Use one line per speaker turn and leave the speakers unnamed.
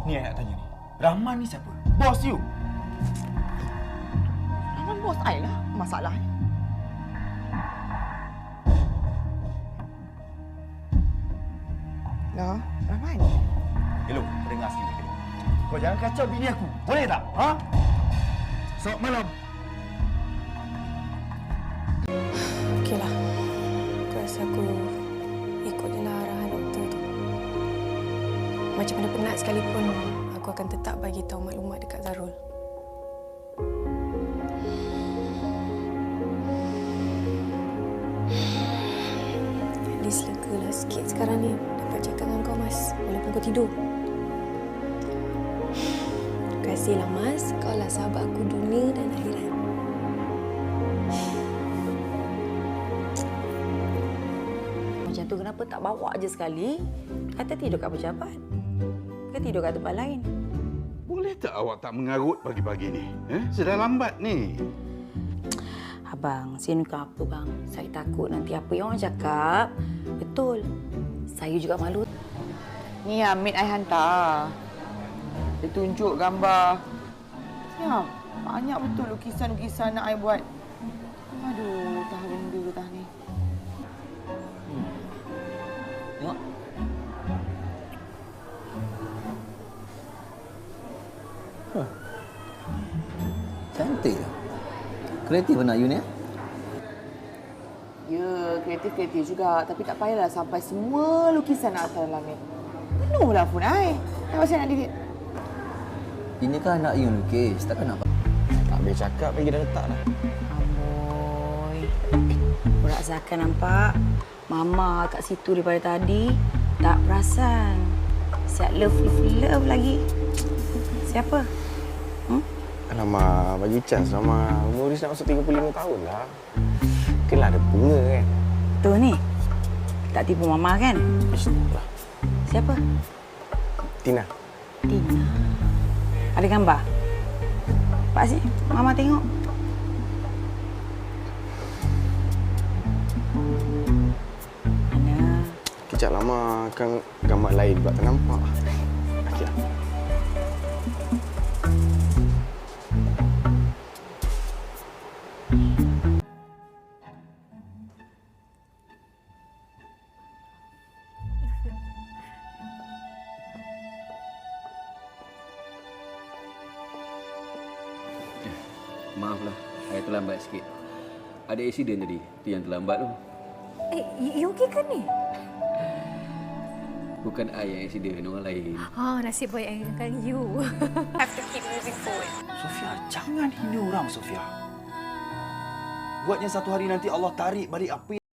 Ni yang nak tanya ni. Rahman ni siapa? Bos you.
Rahman bos I lah masalahnya. Lah, Rahman.
Hello, kau dengar sini. Kau jangan kacau bini aku. Boleh tak? Ha? Selamat malam.
Okeylah. Aku rasa aku ikut je lah arahan doktor tu. Macam mana penat sekalipun, aku akan tetap bagi tahu maklumat dekat Zarul. At least legalah sikit sekarang ni dapat cakap dengan kau, Mas. Walaupun kau tidur. Terima kasihlah, Mas. Kau lah sahabat aku dunia dan akhirat.
Macam tu kenapa tak bawa je sekali? Kata tidur kat pejabat. Ke tidur kat tempat lain?
Boleh tak awak tak mengarut pagi-pagi ni? Sudah lambat ni.
Abang, sini bukan apa bang. Saya takut nanti apa yang orang cakap. Betul. Saya juga malu.
Ni Hamid I hantar. Dia tunjuk gambar. Ya, banyak betul lukisan-lukisan nak I buat. Aduh, tah benda tah ni.
Tengok.
Cantik lah. Kreatif anak you ni.
Ya, kreatif-kreatif juga. Tapi tak payahlah sampai semua lukisan nak hantar dalam ni. Penuhlah phone I. Dah pasal nak delete.
Ini kan anak you lukis. Takkan nak...
Tak boleh cakap lagi dah letak dah.
Amboi. Burak Zakan nampak. Mama kat situ daripada tadi. Tak perasan. Siap love lagi. Siapa?
Alamak, bagi chance sama. Umur dia nak masuk 35 tahun lah. Mungkinlah ada bunga kan.
Tu ni. Tak tipu Mama kan?
Istilah.
Siapa?
Tina.
Tina. Ada gambar? Pak sini. Mama tengok. Mana?
Kejap lama kan gambar lain pula tak nampak. Okeylah.
Maaflah, saya terlambat sikit. Ada accident tadi. Itu yang terlambat tu.
You okey ke ni?
Bukan I yang accident, orang lain.
Nasib baik dengan you. Have to keep moving forward.
Sofia, jangan hina orang, Sofia. Buatnya satu hari nanti Allah tarik balik apa